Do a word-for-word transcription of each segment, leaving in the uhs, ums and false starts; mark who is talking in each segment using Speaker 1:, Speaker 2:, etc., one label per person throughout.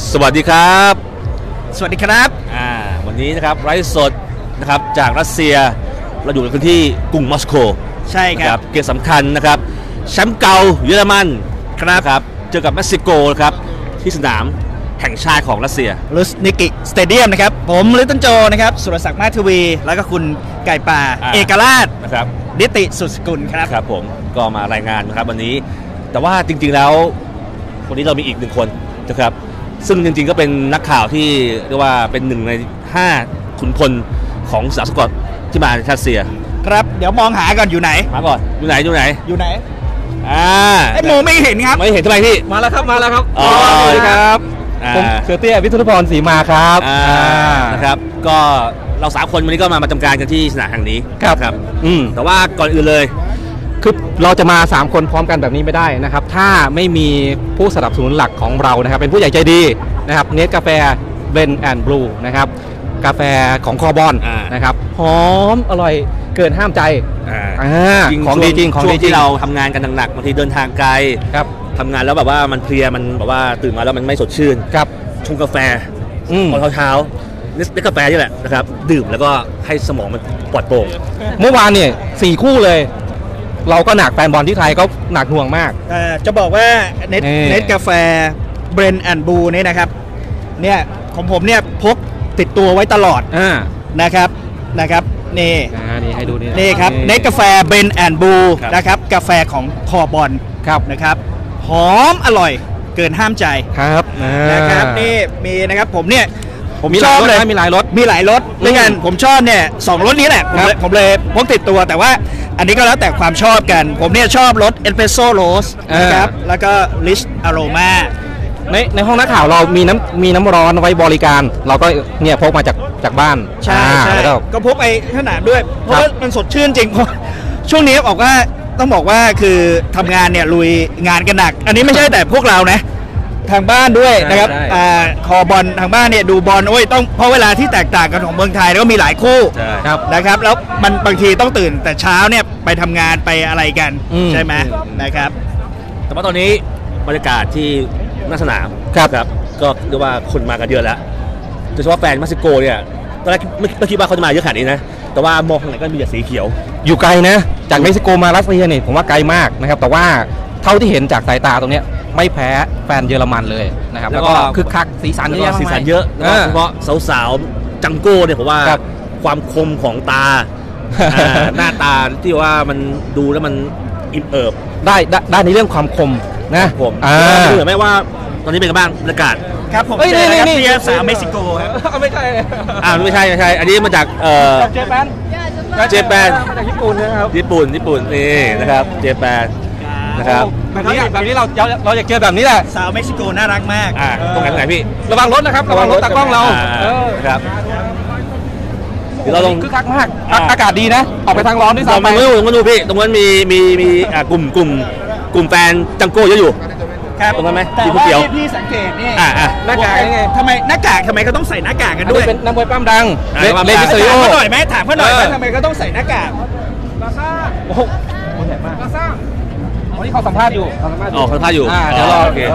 Speaker 1: สวัสดีครับ
Speaker 2: สวัสดีครับ
Speaker 1: อ่าวันนี้นะครับไลฟ์สดนะครับจากรัสเซียเราอยู่ในพื้นที่กรุงมอสโก
Speaker 2: ใช่ครับ
Speaker 1: เกมสำคัญนะครับแชมป์เก่าเยอรมันครับครับเจอกับเม็กซิโกครับที่สนามแห่งชาติของรัสเซีย
Speaker 2: ลุสนิกิสเตเดียมนะครับผมลิตเติ้ลโจนะครับสุรศักดิ์มาทวีแล้วก็คุณไก่ป่าเอกราช
Speaker 1: นะครับ
Speaker 2: นิติสุดสกุลครับ
Speaker 1: ครับผมก็มารายงานนะครับวันนี้แต่ว่าจริงๆแล้ววันนี้เรามีอีกหนึ่งคนนะครับซึ่งจริงๆก็เป็นนักข่าวที่เรียกว่าเป็นหนึ่งในห้าขุนพลของสาวสกอตที่มาจากรัสเซีย
Speaker 2: ครับเดี๋ยวมองหาก่อนอยู่ไหน
Speaker 1: มาก่อนอยู่ไหนอยู่ไหน
Speaker 2: อยู่ไหน
Speaker 1: อ่า
Speaker 2: ไอ้โมไม่เห็นครับ
Speaker 1: ไม่เห็นทำไมพี่
Speaker 3: มาแล้วครับมาแล้วครับ
Speaker 1: อ๋อสวัสดีครับ
Speaker 3: ผมเสือเตี้ยวิทุรพรศรีมาครับ
Speaker 1: อ่านะครับก็เราสามคนวันนี้ก็มาประจำการกันที่สนามแห่งนี้
Speaker 3: ครับ
Speaker 1: ครับอืมแต่ว่าก่อนอื่นเลย
Speaker 3: คือเราจะมาสามคนพร้อมกันแบบนี้ไม่ได้นะครับถ้าไม่มีผู้สนับสนุนหลักของเรานะครับเป็นผู้ใหญ่ใจดีนะครับเนสกาแฟเบนแอนด์บลูนะครับกาแฟของคอบอนนะครับหอมอร่อยเกินห้ามใจของดีจริงของดีจริง
Speaker 1: ที่เราทำงานกันหนักๆบางทีเดินทางไกล
Speaker 3: ครับ
Speaker 1: ทำงานแล้วแบบว่ามันเพลียมันแบบว่าตื่นมาแล้วมันไม่สดชื่น
Speaker 3: ครับ
Speaker 1: ชงกาแฟตอนเช้าๆเนสกาแฟนี่แหละนะครับดื่มแล้วก็ให้สมองมันปลอดโปร่ง
Speaker 3: เมื่อวานเนี่ยสี่คู่เลยเราก็หนักแฟนบอลที่ไทยก็หนักหน่วงมาก
Speaker 2: จะบอกว่าเน็ตเน็ตกาแฟเบรนแอนด์บูนี่นะครับเนี่ยของผมเนี่ยพกติดตัวไว้ตลอดนะครับนะครับนี่
Speaker 3: นี่ให้ดูนี่
Speaker 2: นี่ครับเน็ตกาแฟเบรนแอนด์บูนะครับกาแฟของคอบอลนะครับหอมอร่อยเกินห้ามใจ
Speaker 3: ครับ
Speaker 2: นะครับนี่มีนะครับผมเนี่ย
Speaker 3: ผมชอบเลยมีหลายรส
Speaker 2: มีหลายรสด้วยกันผมชอบเนี่ยสองรสนี้แหละผมเลยผมเลยพกติดตัวแต่ว่าอันนี้ก็แล้วแต่ความชอบกันผมเนี่ยชอบรสเอสเปรสโซ่โรสนะครับแล้วก็ลิชอโรมา
Speaker 3: ในในห้องนักข่าวเรามีน้ำมีน้ำร้อนไว้บริการเราก็เนี่ยพกมาจากจากบ้าน
Speaker 2: ใช่ใช่ก็พกไปขนาดด้วยเพราะว่ามันสดชื่นจริงช่วงนี้บอกว่าต้องบอกว่าคือทำงานเนี่ยลุยงานกันหนักอันนี้ไม่ใช่แต่พวกเรานะทางบ้านด้วยนะครับคอบอลทางบ้านเนี่ยดูบอลโอ้ยต้องเพราะเวลาที่แตกต่างกันของเมืองไทยแล้วก็มีหลายคู่นะครับแล้วมันบางทีต้องตื่นแต่เช้าเนี่ยไปทำงานไปอะไรกันใช่ไหมนะครับ
Speaker 1: แต่ว่าตอนนี้บรรยากาศที่หน้าสนามครับก็เรียกว่าคนมากันเยอะแล้วโดยเฉพาะแฟนเม็กซิโกเนี่ยตอนแรกไม่คิดว่าเขาจะมาเยอะขนาดนี้นะแต่ว่ามองทางไหนก็มีแต่สีเขียว
Speaker 3: อยู่ไกลนะจากเม็กซิโกมารัสเซียเนี่ยผมว่าไกลมากนะครับแต่ว่าเท่าที่เห็นจากสายตาตรงนี้ไม่แพ้แฟนเยอรมันเลยนะครับแล้วก็คึกคักสีสันเยอะ
Speaker 1: สีสันเยอะโดยเฉพาะสาวๆจังโก้เนี่ยผมว่าความคมของตาหน้าตาที่ว่ามันดูแล้วมันอิ่มเอิบ
Speaker 3: ได้ได้ในเรื่องความคมนะ
Speaker 1: ผมดูเหมือนไหมว่าตอนนี้เป็นกันบ้างบรรยากาศ
Speaker 2: ครับผมเจอครับเชียร์สาวเม็กซิโกครับ
Speaker 3: ไม่ใช่
Speaker 1: อ่าไม่ใช่ไม่ใช่อันนี้มาจากเอ่อ
Speaker 3: เจแปน
Speaker 1: เจแปน
Speaker 3: มาจากญี่ปุ่นนะครับ
Speaker 1: ญี่ปุ่นญี่ปุ่นนี่นะครับเจแปนนะครับ
Speaker 3: แบบนี้แบบนี้เราเราอยากเจอแบบนี้แหละ
Speaker 2: สาวเม็กซิโกน่ารักมาก
Speaker 1: อ่าตรงไหนตรงไหนพี่
Speaker 3: ระวังรถนะครับระวังรถตากล้องเรา
Speaker 1: ครับเดี๋ยวเราลง
Speaker 3: คึกคักมากอากาศดีนะออกไปทางร้อนด้วยซ้ำ
Speaker 1: ไปตรงนู้นดูพี่ตรงนั้นมีมีมีกลุ่มกลุ่มกลุ่มแฟนจังโก้เยอะอยู่
Speaker 2: ครับ
Speaker 1: ตรงนั้นไหม
Speaker 2: ที่ผู้เกี่ยวพี่สังเกตนี่
Speaker 1: หน้ากาก
Speaker 2: ยังไงทำไมหน้ากากทำไมเขาต้องใส่หน้ากากกันด้วย
Speaker 3: เป็นนักมวยปั้มดัง
Speaker 1: เลมิสเตอริโอ
Speaker 2: ถามเขาหน่อยไหมถามเขาหน่อยไหมทำไมเขาต้องใส่หน้ากาก
Speaker 3: ลาซ่าโอ้โหใหญ่มากลาซ่าวันนี้เขาสัมภาษณ์อยู่
Speaker 1: เขาสัมภาษณ์อยู่อ๋อเขาสัมภาษณ์อยู่
Speaker 3: เดี๋ยวรอโอเค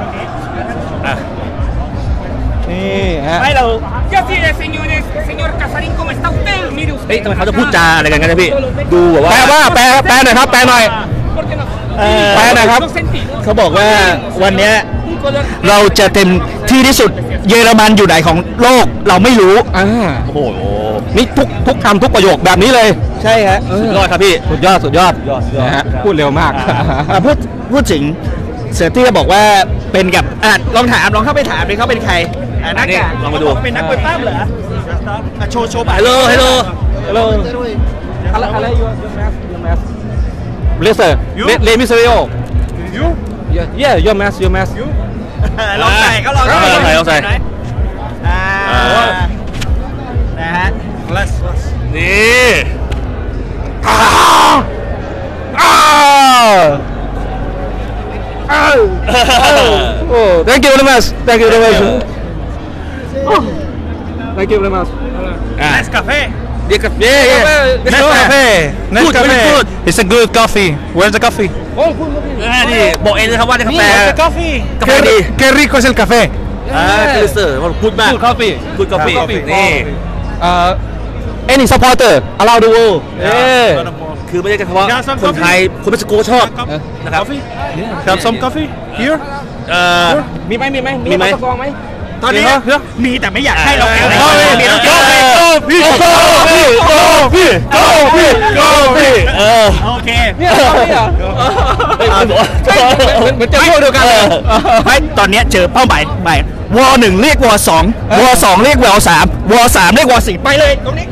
Speaker 2: นี่ฮะให้เรา
Speaker 1: เฮ้ยทำไมเขาจะพูดจาอะไรกันกันนะพี่ดูแบบว่า
Speaker 3: แปลว่าแปลแปลหน่อยครับแปลหน่อยแปลหน่อยครับ
Speaker 2: เขาบอกว่าวันนี้เราจะเต็มที่ที่สุดเยอรมันอยู่ไหนของโลกเราไม่รู้
Speaker 3: อ่า
Speaker 1: โอ้โห
Speaker 3: นี่ทุกทุกคำทุกประโยคแบบนี้เลย
Speaker 2: ใช่ฮะ
Speaker 1: สุดยอดครับพี่
Speaker 3: สุดยอดสุดยอดนะฮะพูดเร็วมาก
Speaker 2: พูดพูดถึงเสือที่จะบอกว่าเป็นกับอ่ะลองถามลองเข้าไปถามเลยเขาเป็นใครนัก
Speaker 1: ลองมาดู
Speaker 2: เป็นนักมวยปั้มเหรอโชว์โชว์
Speaker 1: ฮัลโหลฮัลโหล
Speaker 3: ฮัลโหลอะไรอะไรยูยูแมสยูแมสเลเซอร์เลมิสเตอริโอยูเย่ยูแมสยูแมสยู
Speaker 2: ลองใส่เขาลองใส่
Speaker 1: ลองใส่ลองใส่
Speaker 2: อ่านะฮะ
Speaker 1: นี่
Speaker 3: อ้าวอ้าวอ้าวโอ้ thank you very much thank you very much thank you very much
Speaker 2: nice cafe
Speaker 1: Yeah, yeah, yeah.
Speaker 3: Nescafe.
Speaker 1: Nescafe.
Speaker 3: Good,
Speaker 1: It's a good coffee. Where's the coffee?
Speaker 3: Oh, good coffee.
Speaker 1: นี่บอกเองนะครับว่าจะกาแฟ
Speaker 2: coffee.
Speaker 1: กาแฟดี
Speaker 3: Qué rico es el café.
Speaker 1: อ่าเกลิเซอร์พูดมาก
Speaker 3: Good coffee
Speaker 1: พูดกาแฟ
Speaker 3: Good coffee
Speaker 1: นี่
Speaker 3: เอ่อ any supporter around the world เอ้ย
Speaker 1: คือไม่ได้เฉพาะคนไทยคนเม็กซิโกชอบนะครับ
Speaker 4: Have some coffee here?
Speaker 1: เอ่อ
Speaker 3: มีไหมมีไหม
Speaker 1: มีไหม
Speaker 3: สกองไหม
Speaker 2: ตอนนี้มีแต่ไม่อยากให้เรา
Speaker 1: เออ
Speaker 2: เอาเลยมีแล้ว
Speaker 1: โกพี่โกพี่โกพี่โกพี่โกพี่เออ
Speaker 2: โอเค
Speaker 3: เนี่ยสกองนี่เหรอ
Speaker 1: เฮ้ยเหมือน
Speaker 3: เหมือนเหมือนจะพูดเดียวกันเลย
Speaker 2: ไม่ตอนเนี้ยเจอเป้าหมายใหม่วอหนึ่งเรียกวอสองวอสองเรียกวอสามวอสามเรียกวอสี่ไปเลยตรงนี้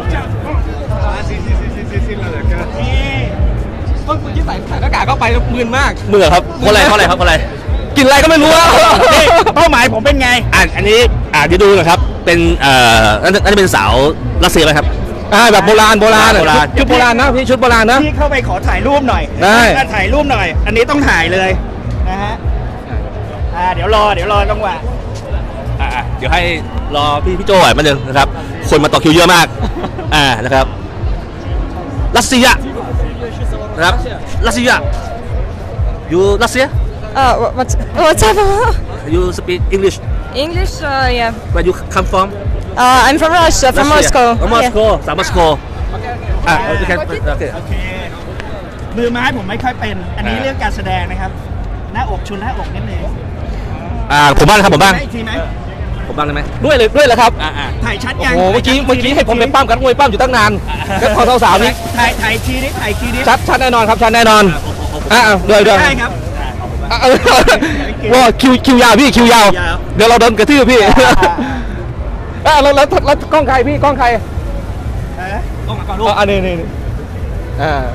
Speaker 3: เมื่อกี้ใส่ใส่หน้ากากเข้าไปแล้วมึนมาก
Speaker 1: มือครับเพราะอะไรเพราะอะไรครับเพราะอะไร
Speaker 3: กินอะไรก็ไม่รู้อะ
Speaker 2: นี่เป้าหมายผมเป็นไง
Speaker 1: อ่ะอันนี้อ่ะเดี๋ยวดูนะครับเป็นเอ่อนั่นนั่นเป็นสาวรัสเซียไหมครับ
Speaker 3: อ่าแบบโบราณโบราณอะ
Speaker 1: โบราณ
Speaker 3: ชุดโบราณนะพี่ชุดโบราณนะ
Speaker 2: พี่เข้าไปขอถ่ายรูปหน่อย
Speaker 3: ได้
Speaker 2: อ่ะถ่ายรูปหน่อย อันนี้ต้องถ่ายเลยนะฮะอ่าเดี๋ยวรอเดี๋ยวรอจังหวะ
Speaker 1: อ่ะอ่ะเดี๋ยวให้รอพี่พี่โจ้หน่อยมาหนึ่งนะครับ คนมาต่อคิวเยอะมาก อ่านะครับรัสเซียนะครับรัสเซียอยู่รัสเซีย
Speaker 5: Uh, wha- what's what's up?
Speaker 1: you speak English
Speaker 5: English? Uh, yeah.
Speaker 1: where you come from
Speaker 5: Uh, I'm from Russia, from
Speaker 1: Russia.
Speaker 5: Moscow.
Speaker 1: oh, Moscow สามมอสโกอ่ะโอเคโอเค
Speaker 2: โอเค มือไม้ผมไม่ค่อยเป็น อันนี้
Speaker 1: อ่า
Speaker 2: เรื่องการแสดงนะครับ หน้าอกชุนหน้าอกนิดนึง
Speaker 1: อ่าผมบ้างครับผมบ้าง
Speaker 2: ได้อีกทีไหม
Speaker 1: ผมบ้างได้ไหม
Speaker 3: ด้วยเลยด้วยเหรอครับ
Speaker 1: อ่าอ่า
Speaker 2: ถ่ายชัด
Speaker 3: โอ้
Speaker 2: ยัง
Speaker 3: โหเมื่อกี้เมื่อกี้ให้ผมไปปั้มกันมวยปั้มอยู่ตั้งนานก็พอสาวๆนี่
Speaker 2: ถ่ายถ่ายทีนี้ถ่ายทีนี้
Speaker 3: ชัดชัดแน่นอนครับชัดแน่นอนอ่ะอ่ะด้วยด้วย
Speaker 2: ได้ครับ
Speaker 3: อ่ะเออว่าคิวคิวยาวพี่คิวยาว
Speaker 2: ยาว
Speaker 3: เดี๋ยวเราโดนกระทืบพี่อ่ะแล้วแล้วแล้วกล้องใครพี่กล้องใคร
Speaker 2: เอ๊ะลงมาก่อนลู
Speaker 3: อ๋
Speaker 2: ก
Speaker 3: ออันนี้นี่นี่อ่า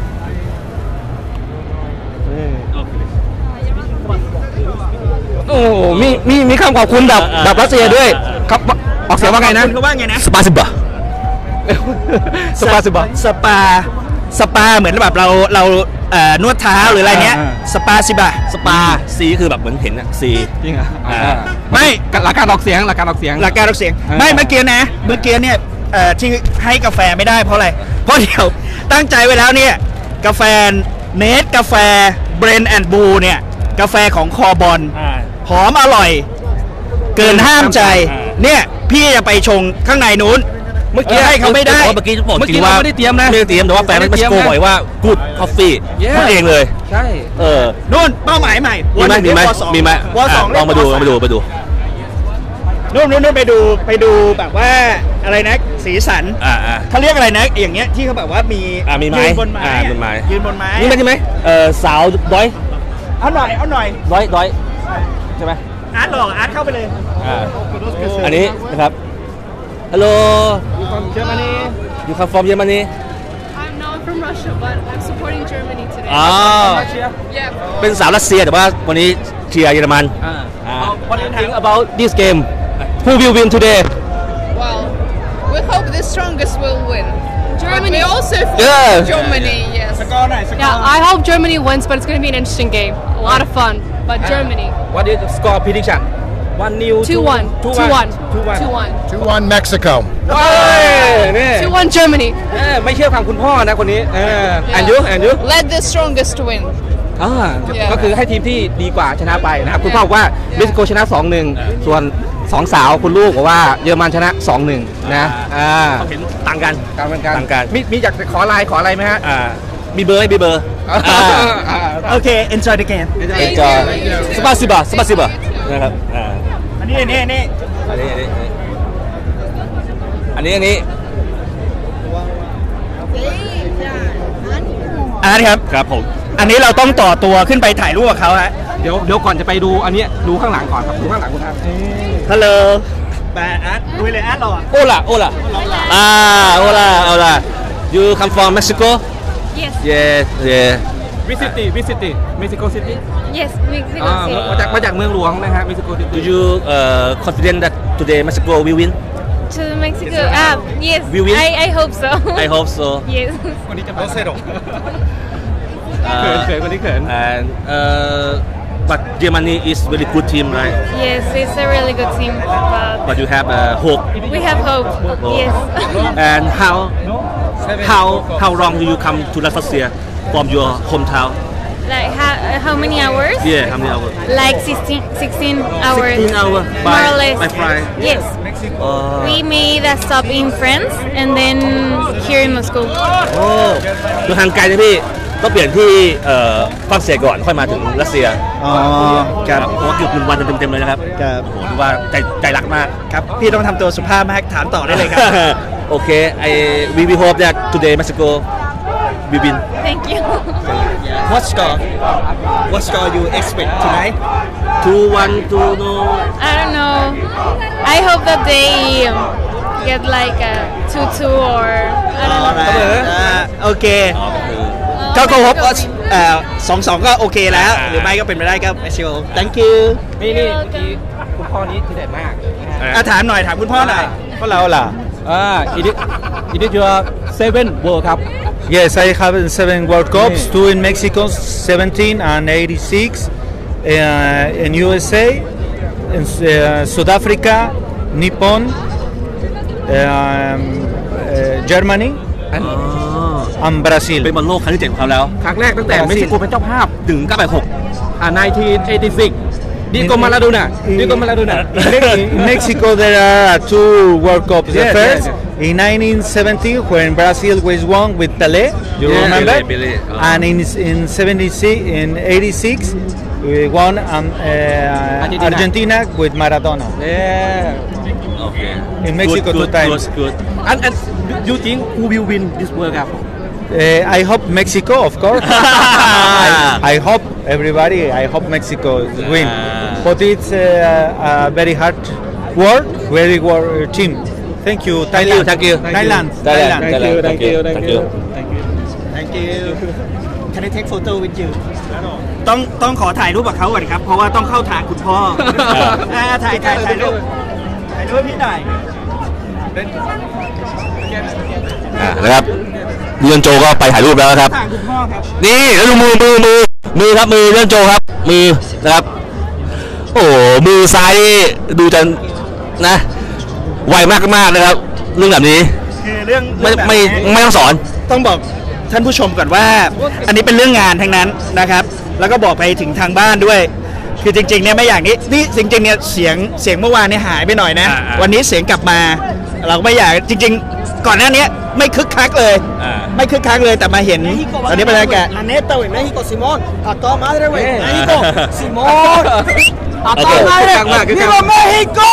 Speaker 3: โอ้โหมีมีมีคำขอบคุณแบบแบบรัสเซียด้วยครับออกเสียงว่าไงนะ
Speaker 2: คุณเขาว่าไงนะ
Speaker 1: สปาซิบะ
Speaker 3: สปาสิบะ
Speaker 2: สปา สปาเหมือนแบบเราเราเอ่อนวดเท้าหรืออะไรเนี้ย
Speaker 3: อ่า
Speaker 2: สปาสิบะ
Speaker 1: สปาซีคือแบบเหมือนเห็นอะซี
Speaker 3: จริงเหรอ
Speaker 1: อ่า
Speaker 3: อ่า
Speaker 2: ไม่
Speaker 3: หลักการออกเสียงหลักการออกเสียง
Speaker 2: หลักการออกเสียง
Speaker 3: อ่า
Speaker 2: ไม่เมื่อกี้นะ เมื่อกี้เนี่ยเอ่อที่ให้กาแฟไม่ได้เพราะอะไร เพราะเดี๋ยวตั้งใจไว้แล้วเนี่ย กาแฟเนสกาแฟเบรนแอนด์บูเนี่ย กาแฟของคอบอล
Speaker 1: อ่า
Speaker 2: หอมอร่อย เกินห้ามใจ
Speaker 1: อ่า
Speaker 2: เนี่ยพี่จะไปชงข้างในนู้น เมื่อกี้ให้เขาไม่ได้
Speaker 1: เมื่อกี้บอก
Speaker 3: เมื่อ
Speaker 1: จ
Speaker 3: กี้
Speaker 1: ริงว่า
Speaker 3: เราไม่ได้เตรียมนะ
Speaker 1: ไม่ได้เตรียมแต่ว่าแฟน
Speaker 3: ไม่
Speaker 1: เม็
Speaker 3: ได้
Speaker 1: ก
Speaker 3: เตรี
Speaker 1: ซิ
Speaker 3: ยม
Speaker 1: โก
Speaker 3: นะ
Speaker 1: บอกว่า good coffee
Speaker 3: Yeah
Speaker 1: พูดเองเลย
Speaker 3: ใช่
Speaker 1: เออ
Speaker 2: นู่นเป้าหมายใหม่
Speaker 1: มีไหมมีไหม
Speaker 2: วอสอง
Speaker 1: มีไหม
Speaker 2: วอสอง
Speaker 1: อ่ะลองมาดูลองมาดูไปดู
Speaker 2: นู่นนู่นนู่นไปดูไปดูแบบว่าอะไรนะสีสัน
Speaker 1: อ่าอ่า
Speaker 2: เขาเรียกอะไรนะอย่างเงี้ยที่เขาแบบว่ามี
Speaker 1: อ่ะมีไม้
Speaker 2: ยืนบนไม้
Speaker 1: อ่ะ
Speaker 2: อะ
Speaker 1: บนไม้
Speaker 2: ยืนบนไม้
Speaker 1: นี่ไหมใช่ไหมเออสาวด้อย
Speaker 2: เอาหน่อยเอาหน่อย
Speaker 1: ด้อยด้อยใช่ไหม
Speaker 2: อาร์ตหลอกอาร์ตเข้าไปเลย
Speaker 1: อ่าอันนี้นะครับ Hello
Speaker 3: เชื่อมานี่
Speaker 1: you come from Germany
Speaker 6: I'm no, I'm from Russia, but I'm supporting Germany today.
Speaker 1: อ๋อ
Speaker 6: Yeah.
Speaker 1: เป็นสาวรัสเซียแต่ว่าวันนี้เชียร์เยอรมัน
Speaker 3: อ่า
Speaker 1: อ่า
Speaker 3: What do you think about this game Who will win today
Speaker 6: Well, we hope the strongest will win. Germany. But we also for
Speaker 3: Yeah.
Speaker 6: Germany, yes.
Speaker 2: สกอร์หน่อยสกอร์
Speaker 6: Yeah, I hope Germany wins, but it's going to be an interesting game. A lot of fun. But Germany.
Speaker 3: What is the score prediction one nil
Speaker 6: two one.
Speaker 3: two
Speaker 6: two one.
Speaker 3: two one
Speaker 6: two one.
Speaker 4: two one Mexico.
Speaker 3: เฮ้ยนี่
Speaker 6: two one Germany.
Speaker 3: เออไม่เชื่อฟังคุณพ่อนะคนนี้เออ
Speaker 6: Yeah.
Speaker 3: and you and you
Speaker 6: Let the strongest win.
Speaker 3: อ่า
Speaker 6: Yeah.
Speaker 3: ก็คือให้ทีมที่ดีกว่าชนะไปนะครับคุณพ่อบอกว่าเม็กซิโกชนะ สองหนึ่ง ส่วนสองสาวคุณลูกบอกว่าเยอรมันชนะ สองหนึ่ง นะอ่า
Speaker 1: เขาเห็นต่างกัน
Speaker 3: การเป็นการ
Speaker 1: ต่างกัน
Speaker 3: มีมีอยากจะขอไลน์ขออะไรไหมฮะ
Speaker 1: อ่ามีเบอร์ไหมมีเบอร์
Speaker 3: อ่าอ่า
Speaker 2: โอเค enjoy the game
Speaker 6: Thank
Speaker 1: ก็
Speaker 6: you.
Speaker 1: สปาซิบะสปาซิบะนะครับอ่า
Speaker 2: อันนี้อันนี้อันนี้
Speaker 1: อันนี้อันนี้อันนี้อันนี้
Speaker 2: อาร์ตครับ
Speaker 1: ครับผม
Speaker 2: อันนี้เราต้องต่อตัวขึ้นไปถ่ายรูปกับเขาฮะ
Speaker 3: เดี๋ยวเดี๋ยวก่อนจะไปดูอันเนี้ยดูข้างหลังก่อนครับดูข้างหลังคุณครับ
Speaker 2: ฮัลโหลไปอาร์ตดูเลยอาร์ตเราอะ
Speaker 1: โอลาโอลาอ่าโอลาโอลา you come from Mexico
Speaker 5: Yes.
Speaker 1: yes yeah
Speaker 3: วิสิตี้วิสิตี้เม็กซิโกซิตี้
Speaker 5: Yes. Mexico
Speaker 3: อ่า
Speaker 5: City.
Speaker 3: มาจากมาจากเมืองหลวงนะฮะเม็กซิโกซิ
Speaker 1: do
Speaker 3: ตี้
Speaker 1: you uh, confident that today Mexico will win
Speaker 5: To Mexico. Ah, yes.
Speaker 1: We win?
Speaker 5: I I hope so.
Speaker 1: I hope so
Speaker 5: Yes.
Speaker 3: วันนี้จะมาเซโด
Speaker 1: Uh,
Speaker 3: เขินเขินวันนี้เขิน
Speaker 1: and uh, but Germany is very good team right
Speaker 5: Yes, it's a really good team. But
Speaker 1: but you have uh, hope
Speaker 5: we have hope. Yes.
Speaker 1: and how how how long do you come to Russia from your hometown
Speaker 5: Like how, how many hours?
Speaker 1: Yeah, how many hours?
Speaker 5: Like sixteen, sixteen hours.
Speaker 1: sixteen hours by,
Speaker 5: more or less.
Speaker 1: by flight.
Speaker 5: Yes.
Speaker 1: Uh,
Speaker 5: We made a stop in France and then here in Moscow.
Speaker 1: โอ้คือทางไกลนะพี่ต้องเปลี่ยนที่เอ่อฝรั่งเศสก่อนค่อยมาถึงรัสเซีย
Speaker 2: อ๋อครับ
Speaker 1: เพราะว่าเกือบหนึ่งวันเต็มๆเลยนะครับ
Speaker 2: ครับ
Speaker 1: โอ้โหถือว่าใจใจรักมาก
Speaker 2: ครับพี่ต้องทำตัวสุภาพมากถามต่อได้เลยครับ
Speaker 1: โอเค I we we hope that today Mexico we win
Speaker 5: Thank you.
Speaker 2: What score What score you expect tonight
Speaker 1: two one two no
Speaker 5: I don't know. I hope that they um, get like a two two or I don't know.
Speaker 2: อ่าโอเค
Speaker 1: อ๋อก็คือ
Speaker 2: ก็ก็พบว่าเอ่อสองสองก็โอเคแล้ว หรือไม่ก็เป็นไปได้ก็เมซิโก thank you
Speaker 3: นี่นี่ที่คุณพ่อนี้ที่เด็ดมากนะฮะ
Speaker 2: อ่ะถามหน่อยถามคุณพ่อหน่อยพ่อเราล่ะ
Speaker 3: อ่า it is it is your seven world ครับ
Speaker 4: Yes, I have seven World Cups, two in Mexico, seventeen and eighty-six, uh, in U S A, in uh, South Africa, Nippon, um, uh, Germany,
Speaker 3: อัน
Speaker 4: and Brazil.
Speaker 1: เป็นบอลโลกครั้งที่เจ็ดของเขาแล้ว
Speaker 3: ครั้งแรกตั้งแต่เม็กซิโกเป็นเจ้าภาพ
Speaker 1: ถึงเก้าแปดหก
Speaker 3: อ่าหนึ่งพันเก้าร้อยแปดสิบหกดิโกมาลาโดน่าดิโกมาลาโดน่า
Speaker 4: In Mexico, there are two World Cups. The
Speaker 3: Yes,
Speaker 4: first
Speaker 3: yes,
Speaker 4: in nineteen seventy, when Brazil was won with Pelé, you
Speaker 3: Yeah,
Speaker 4: remember?
Speaker 1: Pelé, Pelé, oh.
Speaker 4: And in in seventy-six, in eighty-six, we won um, uh,
Speaker 3: Argentina.
Speaker 4: Argentina with Maradona.
Speaker 3: เนี่ย
Speaker 1: โอเค
Speaker 4: In Mexico
Speaker 1: good,
Speaker 4: two times.
Speaker 1: good, good.
Speaker 3: อันอัน you think who will win this World Cup
Speaker 4: Uh, I hope Mexico, of course. I, I hope everybody. I hope Mexico win.
Speaker 1: Ah.
Speaker 4: But it's uh, a very hard work, very work team. Thank you,
Speaker 1: Thank you,
Speaker 4: Thailand.
Speaker 1: thank you.
Speaker 4: Thailand.
Speaker 1: Thailand,
Speaker 3: Thank you,
Speaker 1: Thailand,
Speaker 3: thank you, thank you.
Speaker 2: thank you Can I take photo with you ต้องต้องขอถ่ายรูปกับเขาก่อนครับ เพราะว่าต้องเข้าทางคุณพ่ออ่าถ่ายถ่ายถ่ายรูปถ่ายรูปพี่หน่อย
Speaker 1: อ่านะครับเรือนโจก็ไปถ่ายรูปแล้วนะครับ
Speaker 2: ทางคุณพ่อครับ
Speaker 1: นี่แล้วดูมือมือมือมือครับมือเรือนโจครับ มือนะครับ โอ้โหมือซ้ายนี่ดูจะนะไวมากมากๆนะครับ เรื่องแบบนี้
Speaker 2: คือเรื่อง
Speaker 1: ไม่
Speaker 2: เรื่องแบบ
Speaker 1: ไม่
Speaker 2: นี้
Speaker 1: ไม่ต้องสอน
Speaker 2: ต้องบอกท่านผู้ชมก่อนว่า อันนี้เป็นเรื่องงานทั้งนั้นนะครับ แล้วก็บอกไปถึงทางบ้านด้วย คือจริงๆเนี่ยไม่อย่างนี้นี่จริงๆเนี่ยเสียงเสียงเมื่อวานเนี่ยหายไปหน่อยนะ
Speaker 1: อ่าอ่า
Speaker 2: วันนี้เสียงกลับมา เราก็ไม่อยากจริง ๆ ก่อนหน้านี้ไม่คึกคักเลย
Speaker 1: อ่า
Speaker 2: ไม่คึกคักเลยแต่มาเห็นตอนนี้เป็นอะไรกัน
Speaker 7: La neta, güey, México, Simón. A toda madre, güey.
Speaker 1: Eh.
Speaker 7: México, Simón. A
Speaker 3: Okay.
Speaker 7: toda madre.
Speaker 3: Căng mà, cứ căng.
Speaker 7: ¡Viva México!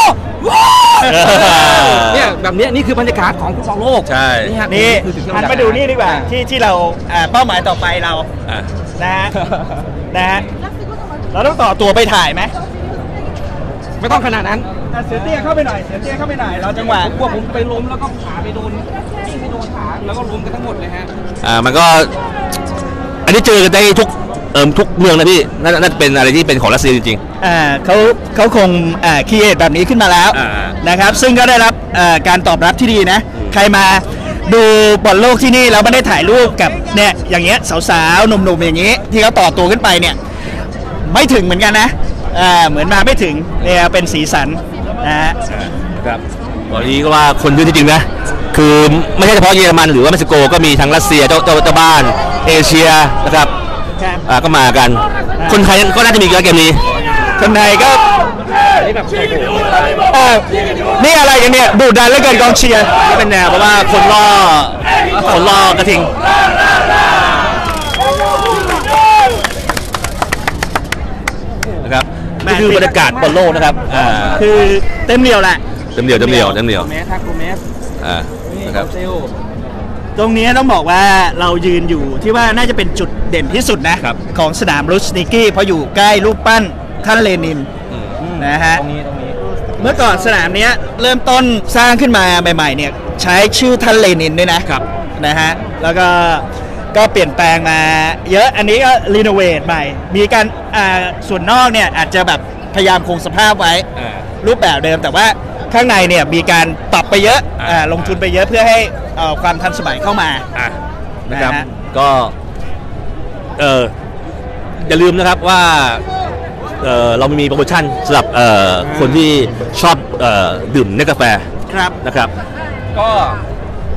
Speaker 3: เนี่ยแบบเนี้ยนี่คือบรรยากาศของฟุตบอลโลก
Speaker 1: ใช่
Speaker 3: นี่ฮะ
Speaker 2: นี่
Speaker 3: คือสิ่งที่
Speaker 2: หัน
Speaker 3: เร
Speaker 2: มาดูนี่ดีกว่าที่ที่เราอ่าเป้าหมายต่อไปเรา
Speaker 1: อ่ะ
Speaker 2: นะฮะนะฮะเราต้องต่อตัวไปถ่ายไหม
Speaker 3: ไม่ต้องขนาดนั้น
Speaker 2: อ่ะเสือเตี้ยเข้าไปหน่อยเสือเตี้ยเข้าไปหน่อยเราจังหวะ
Speaker 3: ผมกลัวผมไปล้มแล้วก็ขาไปโดนยิ่งไปโดนขาแล้วก็ล้มกันทั้งหมดเลยฮะ
Speaker 1: อ่ามันก็ อันนี้เจอกันได้ทุกเอิมทุกเมืองนะพี่น่าน่าจะเป็นอะไรที่เป็นของรัสเซียจริง
Speaker 2: อ่าเขาเขาคงอ่าคีเอทแบบนี้ขึ้นมาแล้ว
Speaker 1: อ่า
Speaker 2: นะครับ ซึ่งก็ได้รับอ่าการตอบรับที่ดีนะ ใครมาดูบอลโลกที่นี่แล้วไม่ได้ถ่ายรูปกับเนี่ยอย่างเงี้ยสาวๆหนุ่มๆอย่างงี้ ที่เขาต่อตัวขึ้นไปเนี่ยไม่ถึงเหมือนกันนะอ่าเหมือนมาไม่ถึงเนี่ยเป็นสีสันนะฮะ
Speaker 1: ๆครับตอนนี้ก็ว่าคนเยอะจริงๆนะ คือไม่ใช่เฉพาะเยอรมันหรือว่าเม็กซิโกก็มีทั้งรัสเซียเจ้าเจ้าเจ้าบ้านเอเชียนะครับ
Speaker 2: ครับ
Speaker 1: อ่าก็มากัน คนไทยก็น่าจะมีเกมนี้
Speaker 2: คนไทยก็เอ่อนี่อะไรกันเนี่ยดูดันเหลือเกินกองเชียร์
Speaker 1: นี่เป็นแนวเพราะว่าคนล่อคนล่อกระทิงนะครับนี่คือบรรยากาศบอลโลกนะครับอ่า
Speaker 2: คือเต็มเหนียวแหละ
Speaker 1: เต็มเดียวเต็มเดียวเต็มเดียว
Speaker 3: โกเมสครับโกเมส
Speaker 1: อ่า
Speaker 3: นี่
Speaker 1: นะครับ
Speaker 3: เซล
Speaker 2: ตรงนี้ต้องบอกว่าเรายืนอยู่ที่ว่าน่าจะเป็นจุดเด่นที่สุดนะครับ ของสนามลูสนิกี้เพราะอยู่ใกล้รูปปั้นท่านเลนิน
Speaker 1: อืม
Speaker 2: นะฮะ
Speaker 3: ตรงนี้ตรงนี้
Speaker 2: เมื่อก่อนสนามเนี้ยเริ่มต้นสร้างขึ้นมาใหม่ๆเนี่ยใช้ชื่อท่านเลนินด้วยนะครับ นะฮะแล้วก็ก็เปลี่ยนแปลงมาเยอะอันนี้ก็รีโนเวทใหม่ มีการอ่าส่วนนอกเนี่ยอาจจะแบบพยายามคงสภาพไว้
Speaker 1: อ่า
Speaker 2: รูปแบบเดิมแต่ว่าข้างในเนี่ยมีการปรับไปเยอะ
Speaker 1: อ่า
Speaker 2: อ่าลงทุนไปเยอะเพื่อให้เอ่อความทันสมัยเข้ามา
Speaker 1: อ่ะนะครับ
Speaker 2: นะฮะ
Speaker 1: ก็เอออย่าลืมนะครับว่าเออเรามีโปรโมชั่นสำหรับเอ่อคนที่ชอบเอ่อดื่มเนสกาแฟ
Speaker 2: ครับ
Speaker 1: นะครับ
Speaker 3: ก็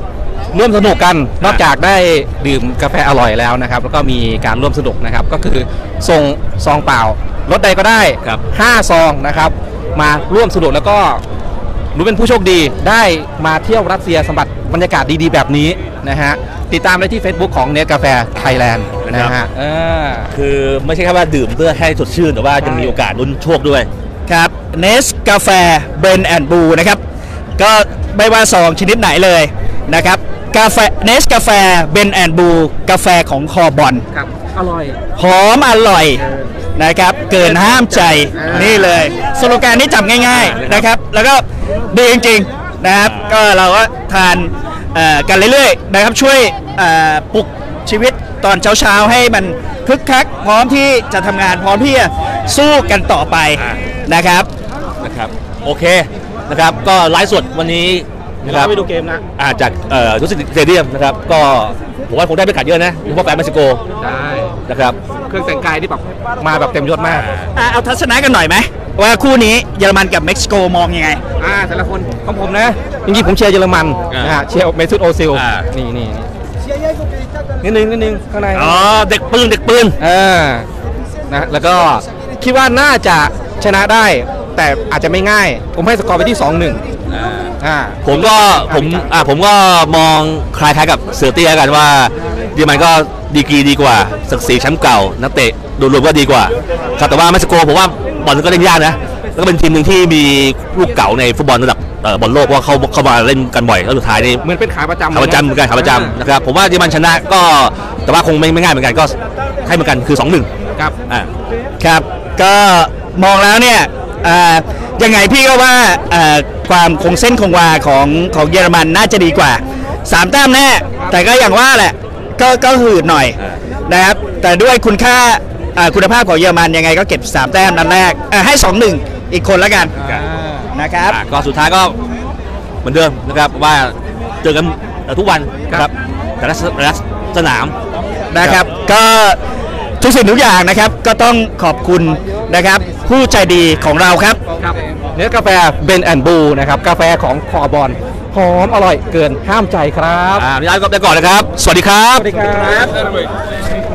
Speaker 3: ร่วมสนุกกันนอกจากได้ดื่มกาแฟอร่อยแล้วนะครับแล้วก็มีการร่วมสนุกนะครับก็คือส่งซองเปล่ารถใดก็ได้ห้าซองนะครับมาร่วมสนุกแล้วก็รู้เป็นผู้โชคดีได้มาเที่ยวรัสเซียสัมผัสบรรยากาศดีๆแบบนี้นะฮะติดตามได้ที่ Facebook ของเนสกาแฟไทยแลนด์นะฮะ
Speaker 1: คือไม่ใช่แค่ว่าดื่มเพื่อให้สดชื่นแต่ว่ายังมีโอกาสลุ้นโชคด้วย
Speaker 2: ครับเนสกาแฟเบรนแอนด์บลูนะครับก็ไม่ว่าซองชนิดไหนเลยนะครับกาแฟเนสกาแฟเบรนแอนด์บลูกาแฟของคอบอล
Speaker 3: ครับอร่อย
Speaker 2: หอมอร่อยนะครับเกินห้ามใจนี่เลยสโลแกนนี้จำง่ายๆนะครับแล้วก็ดีจริงๆนะครับก็เราก็ทานกันเรื่อยๆนะครับช่วยปลุกชีวิตตอนเช้าๆให้มันคึกคักพร้อมที่จะทำงานพร้อมที่จะสู้กันต่อไปนะครับ
Speaker 1: นะครับโอเคนะครับก็ไลฟ์สดวันนี้นะครับ
Speaker 3: ไปดูเกมนะ
Speaker 1: อาจากทุสิตสเตเดียมนะครับก็ผมว่าคงได้บรรยากาศเยอะนะเพราะแฟนเม็กซิโก
Speaker 3: ได้
Speaker 1: นะครับ
Speaker 3: เครื่องแต่งกายที่แบบมาแบบเต็มยศมาก
Speaker 2: เอาทัศนะกันหน่อยไหมว่าคู่นี้เยอรมันกับเม็กซิโกมองยังไง
Speaker 3: อ่าแต่ละคนของผมนะจริงๆผมเชียร์เยอรมันนะฮะเชียร์เมซุตโอซิลนี่นี่นิดนึงนิดนึงข้างใน
Speaker 1: อ๋อเด็กปืนเด็กปืน
Speaker 3: เออนะแล้วก็คิดว่าน่าจะชนะได้แต่อาจจะไม่ง่ายผมให้สกอร์ไปที่ สองหนึ่ง
Speaker 1: อ่าผมก็ผมอ่าผมก็มองคล้ายๆกับเสือเตี้ยกันว่าเยอรมันก็ดีกรีดีกว่าศักดิ์ศรีแชมป์เก่านักเตะโดยรวมก็ดีกว่าครับแต่ว่าเม็กซิโกผมว่าบอลก็เล่นยากนะแล้วก็เป็นทีมหนึ่งที่มีลูกเก่าในฟุตบอลระดับบอลโลกเพราะเขาเข้ามาเล่นกันบ่อยแล้วสุดท้ายนี่
Speaker 3: เหมือนเป็นขาประจำ
Speaker 1: ขาประจำเหมือนกันขาประจำนะครับผมว่าเยอรมันชนะก็แต่ว่าคงไม่ไม่ง่ายเหมือนกันก็ให้เหมือนกันคือ สองหนึ่ง
Speaker 3: ครับ
Speaker 1: อ่า
Speaker 2: ครับก็มองแล้วเนี่ยยังไงพี่ก็ว่าความคงเส้นคงวาของของเยอรมันน่าจะดีกว่าสามแต้มแน่แต่ก็อย่างว่าแหละก็ก็หืดหน่อยนะครับแต่ด้วยคุณค่าคุณภาพของเยอรมันยังไงก็เก็บสามแต้มนัดแรกให้ สองหนึ่ง อีกคนแล้วกันนะครับ
Speaker 1: ก็สุดท้ายก็เหมือนเดิมนะครับว่าเจอกันทุกวันครับแต่ละสนาม
Speaker 2: นะครับก็ทุกสิ่งทุกอย่างนะครับก็ต้องขอบคุณนะครับผู้ใจดีของเราครับ
Speaker 3: เนื้อกาแฟเบนแอนด์บูนะครับกาแฟของคอบอลหอมอร่อยเกินห้ามใจครับ
Speaker 1: อ่าพี่อาร์ตก็ไปก่อนนะครับสวัสดีครับ
Speaker 3: สวัสดีครับ